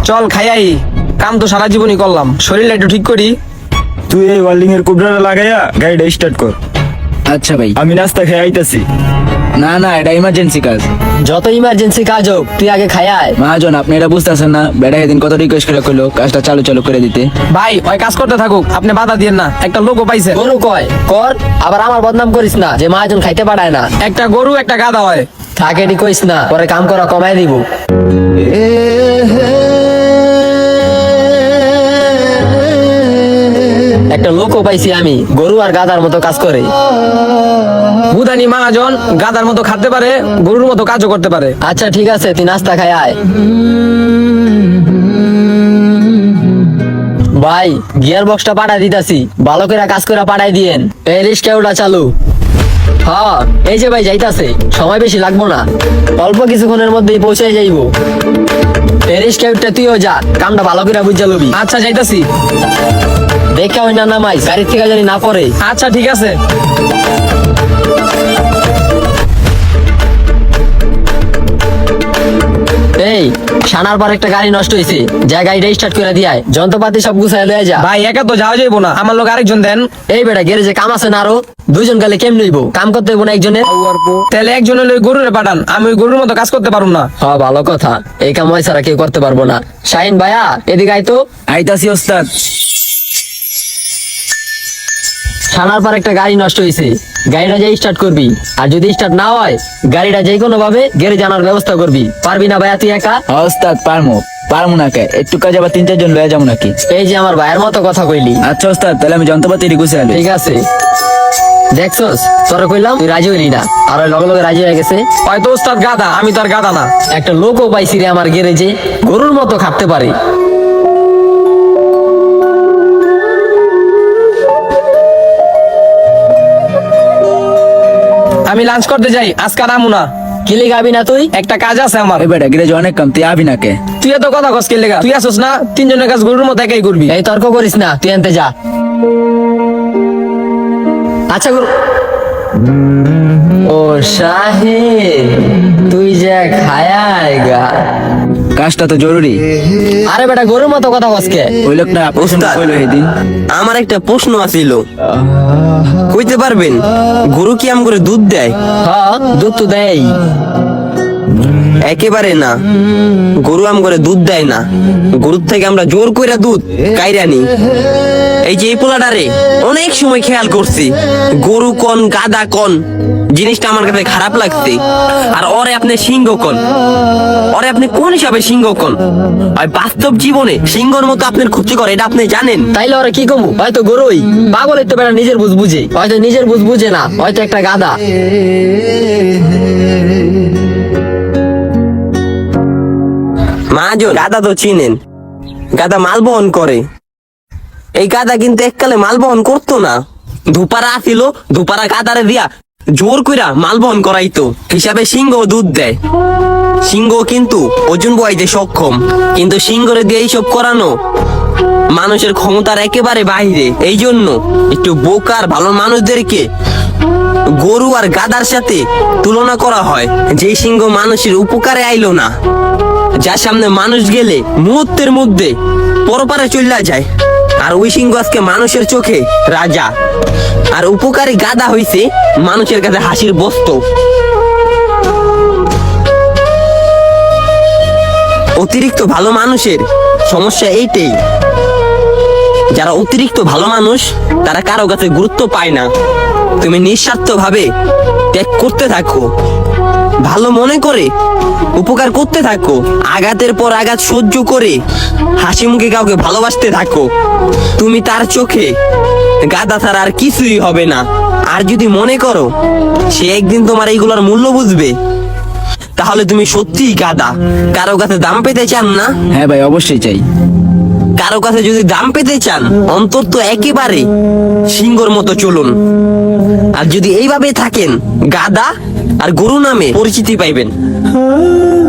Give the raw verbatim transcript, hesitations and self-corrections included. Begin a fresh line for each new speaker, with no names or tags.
চল খাইয়াই, কাম তো সারা জীবনই করলাম, শরীরটা একটু ঠিক করি।
তুই এই ওয়েল্ডিং এর কুবড়াটা লাগাইয়া গাড়িটা স্টার্ট কর,
আচ্ছা ভাই।
আমি নাস্তা খেয়ে আইতাছি।
না না, এটা ইমার্জেন্সি কাজ।
যত ইমার্জেন্সি কাজ হোক তুই আগে খায়ায়।
মহাজন আপনি এটা বুঝতেছেন না, বেটা এদিন কত রিকোয়েস্ট করে কইলো কাজটা চালু চালু করে দিতে।
ভাই ওই কাজ করতে থাকুক, আপনি বাধা দিয়েন না। একটা লোকও পাইছে,
গরু কয় কর, আবার আমার বদনাম করিস না যে মহাজন খাইতে পারায় না।
একটা গরু একটা গাধা হয়।
থাকে এটি কইস না, পরে কাম করা কমাই দিব। একটা লোকও পাইছি আমি, গরু আর গাধার মতো কাজ করে।
বুধানি মহাজন গাধার মতো খাতে পারে, গরুর মতো কাজও করতে পারে।
আচ্ছা ঠিক আছে, তুই নাস্তা খাই আয়। ভাই গিয়ার বক্সটা পাঠাই দিতাছি, ভালো করে কাজ করে পাঠাই দিয়েন। এই রিস্কা ওটা চালু। হ্যাঁ এই যে ভাই যাইতাছে, সময় বেশি লাগবো না, অল্প কিছুক্ষণের মধ্যেই পৌঁছে যাইবো। এই রিস্কা তুইও যা, কামটা ভালো করে বুঝা লবি।
আচ্ছা যাইতাছি।
দেখা হয় না নামাই, গাড়ির থেকে জানি না পড়ে।
আচ্ছা ঠিক আছে।
এই সানার পর একটা গাড়ি নষ্ট হয়েছে, যা গাড়িটা স্টার্ট করে দিয়ায়, যন্ত্রপাতি সব গুছাই লয়ে যা।
ভাই একা তো যাওয়া যাইবো না, আমার লোক আরেকজন দেন।
এই বেটা গ্যারেজে কাম আছে না, আরো দুইজন গেলে কেমন হইব? কাম করতে হইব না একজনের?
তাহলে একজন হলে গরুরে পাঠান, আমি ওই গরুর মতো কাজ করতে পারুম না।
হ্যাঁ ভালো কথা, এই কাম হয় ছাড়া কেউ করতে পারবো না। শাহিন ভাইয়া এদিকে আইতো।
আইতাছি ওস্তাদ।
সানার পর একটা গাড়ি নষ্ট হয়েছে, গাড়িটা যাই স্টার্ট করবি, আর যদি স্টার্ট না হয় গাড়িটা যে কোনো ভাবে গ্যারেজে আনার ব্যবস্থা করবি। পারবি না ভাইয়া তুই একা?
হ্যাঁ ওস্তাদ পারমু, পারমু না কে, একটু কাজ আবার তিন চারজন লয়ে যাবো নাকি?
এই যে আমার ভাইয়ের মতো কথা কইলি।
আচ্ছা ওস্তাদ, তাহলে আমি যন্ত্রপাতি রিকুছে আলি।
ঠিক আছে, দেখছস তোরা কইলাম তুই রাজি হইলি না, আর ওই লগে লগে রাজি হয়ে গেছে।
হয়তো ওস্তাদ গাধা, আমি তো আর গাধা না।
একটা লোকও পাইছি রে আমার গ্যারেজে, গরুর মতো খাটতে পারে।
আমি লাঞ্চ করতে যাই, আজকে আর আমু না।
কিলি গাবি না তুই?
একটা কাজ আছে আমার।
এই বেটা গ্যারেজে অনেক কাম, তুই আবি না কে?
তুই এত কথা কস কে লেগা? তুই আসোস না, তিনজনের কাজ গরুর মতো একাই করবি।
এই তর্ক করিস না, তুই আনতে যা। আচ্ছা গরু। ও শাহিন, তুই যা খায়ায় গা।
কাজটা তো জরুরি।
আরে বেটা গরুর মতো কথা কসকে।
ওই লোক না প্রশ্ন কইলো সেদিন।
আমার একটা প্রশ্ন আছিল, কইতে পারবেন গরু কি আম করে দুধ দেয়?
হ্যাঁ দুধ তো দেয়।
একেবারে না, গরু আম করে দুধ দেয় না, গরুর থেকে আমরা জোর কইরা দুধ কাইরা নি। এই যে এই পোলাটারে অনেক সময় খেয়াল করছি, গরু কোন গাদা কোন জিনিসটা আমার কাছে খারাপ লাগছে। আর ওরে আপনি সিংহ কোন, ওরে আপনি কোন হিসাবে সিংহ কোন? আর বাস্তব জীবনে সিংহর মতো আপনার ক্ষতি করে, এটা আপনি জানেন?
তাইলে ওরা কি কমু? হয়তো গরুই পাগল, তো বেটা নিজের বুঝ বুঝে, হয়তো নিজের বুঝ বুঝে না, হয়তো একটা গাদা।
মহাজন গাদা তো চিনেন, গাদা মাল বহন করে। এই গাদা কিন্তু এককালে মাল বহন করতো না, ধুপারা আসিল, ধুপারা গাদারে দিয়া জোর কইরা মাল বহন করাইতো। হিসাবে সিংহ দুধ দেয়, সিংহ কিন্তু ওজন বইতে সক্ষম, কিন্তু সিংহরে দিয়ে এইসব করানো মানুষের ক্ষমতার একেবারে বাইরে। এই জন্য একটু বোকার ভালো মানুষদেরকে গরু আর গাদার সাথে তুলনা করা হয়। যে সিংহ মানুষের উপকারে আইলো না, যার সামনে মানুষ গেলে মুহূর্তের মধ্যে পরপারে চলে যায়, আর ওই সিংহ আজকে মানুষের চোখে রাজা, আর উপকারী গাদা হইছে মানুষের কাছে হাসির বস্তু। অতিরিক্ত ভালো মানুষের সমস্যা এইটাই, যারা অতিরিক্ত ভালো মানুষ তারা কারো কাছে গুরুত্ব পায় না। তুমি নিঃস্বার্থ ভাবে ত্যাগ করতে থাকো, ভালো মনে করে উপকার করতে থাকো, আঘাতের পর আঘাত সহ্য করে হাসি মুখে কাউকে ভালোবাসতে থাকো। তুমি তার চোখে গাদা ছাড়া আর কিছুই হবে না। আর যদি মনে করো সে একদিন তোমার এইগুলোর মূল্য বুঝবে, তাহলে তুমি সত্যিই গাদা। কারো কাছে দাম পেতে চান না?
হ্যাঁ ভাই অবশ্যই চাই।
কারো কাছে যদি দাম পেতে চান, অন্তত একেবারে সিংহর মতো চলুন। আর যদি এইভাবে থাকেন, গাদা আর গরু নামে পরিচিতি পাইবেন।